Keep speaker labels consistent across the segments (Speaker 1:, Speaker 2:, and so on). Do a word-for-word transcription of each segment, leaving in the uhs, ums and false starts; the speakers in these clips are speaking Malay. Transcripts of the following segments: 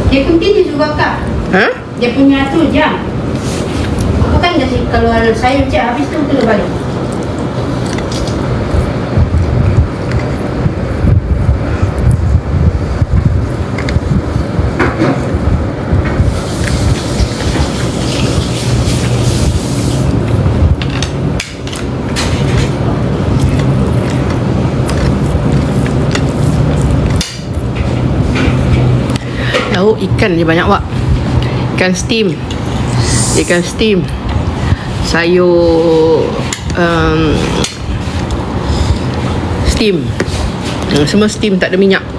Speaker 1: Dia continue juga kak.
Speaker 2: Ha?
Speaker 1: Dia punya tu jam. Aku kan kasi kalau sayur je habis tu kena balik.
Speaker 2: Tahu ikan je banyak Wak. Ikan steam. Ikan steam. Sayur um, steam. Hmm, semua steam, tak ada minyak.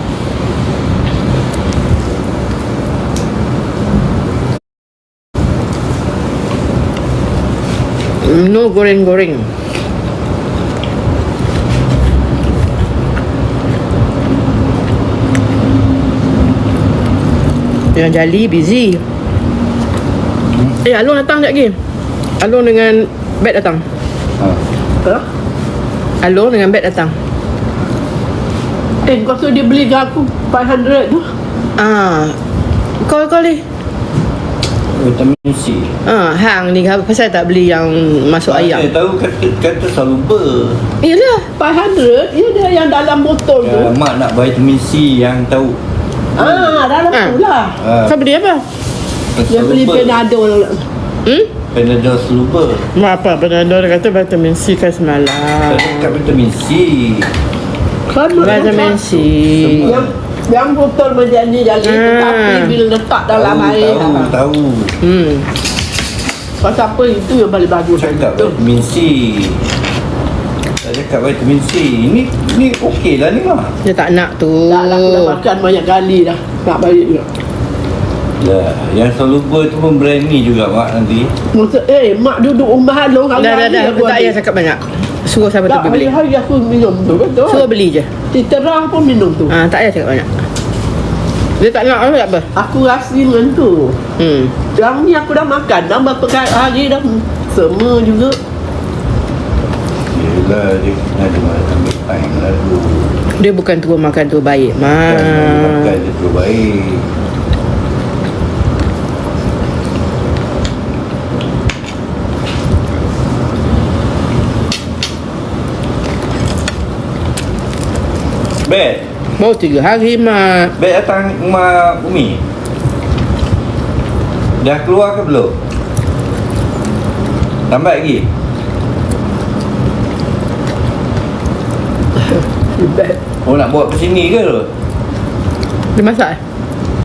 Speaker 2: No goreng-goreng. Yang Jali busy. Hmm. Eh, Along datang sekejap lagi. Along dengan Bet datang.
Speaker 3: Ha.
Speaker 4: Ha?
Speaker 2: Along dengan Bet datang.
Speaker 4: Eh, kau suruh dia beli ke aku five hundred tu.
Speaker 2: Ah, Call call ni.
Speaker 3: Vitamin C.
Speaker 2: Ah, hang ni apa pasal tak beli yang masuk ayam?
Speaker 3: Saya tahu kata kata soluble.
Speaker 2: Iyalah.
Speaker 4: five hundred, ya dia yang dalam botol tu.
Speaker 3: Ya, mak nak vitamin C yang tahu.
Speaker 4: Ah, dalam
Speaker 2: Ah.
Speaker 4: tu lah.
Speaker 3: Ha.
Speaker 2: Kau beli apa?
Speaker 4: Dia beli Panadol.
Speaker 2: Hmm?
Speaker 3: Panadol soluble.
Speaker 2: Mak apa? Panadol kata vitamin C kan semalam.
Speaker 3: Saya cakap vitamin C.
Speaker 4: Kan
Speaker 2: Vitamin C.
Speaker 4: yang yang botol macam ni jadi
Speaker 2: Ah.
Speaker 4: tapi bila letak dalam
Speaker 3: tahu,
Speaker 4: air
Speaker 3: tahu,
Speaker 4: lah.
Speaker 3: tahu.
Speaker 2: Hmm.
Speaker 4: Pasal apa itu yang paling bagus
Speaker 3: Saya cakap
Speaker 4: tu.
Speaker 3: vitamin C. Saya cakap vitamin C. Ini ni okey lah ni mah.
Speaker 2: Dia tak nak tu.
Speaker 4: Tak lah, aku dah makan banyak kali dah. Tak balik juga.
Speaker 3: Lah, yang soluble tu pun brand ni juga mak nanti.
Speaker 4: Maksud, eh, mak duduk rumah long
Speaker 2: Dah dah
Speaker 4: hari-hari
Speaker 2: dah.
Speaker 4: aku
Speaker 2: Tak
Speaker 4: ada.
Speaker 2: payah cakap banyak. Suruh siapa tu
Speaker 4: Tak,
Speaker 2: pergi beli.
Speaker 4: hari-hari aku minum tu, betul?
Speaker 2: Suruh beli je.
Speaker 4: Titerah pun minum tu.
Speaker 2: Ah, tak payah cakap banyak. Dia tak nak apa tak apa.
Speaker 4: Aku rasa dengan tu.
Speaker 2: Hmm.
Speaker 4: Yang ni aku dah makan dah berapa kali hari dah. Semua juga.
Speaker 3: Yelah, dia kena ada ambil time lah tu.
Speaker 2: Dia bukan turun makan tu baik,
Speaker 3: Kan dia makan
Speaker 2: mak.
Speaker 3: dia tu baik. Bet,
Speaker 2: Baru tiga hari, mak.
Speaker 3: Bet datang rumah Umi. Dah keluar ke belum? Lambat lagi?
Speaker 4: Bad.
Speaker 3: Oh nak bawa ke sini ke tu?
Speaker 2: Dia masak eh?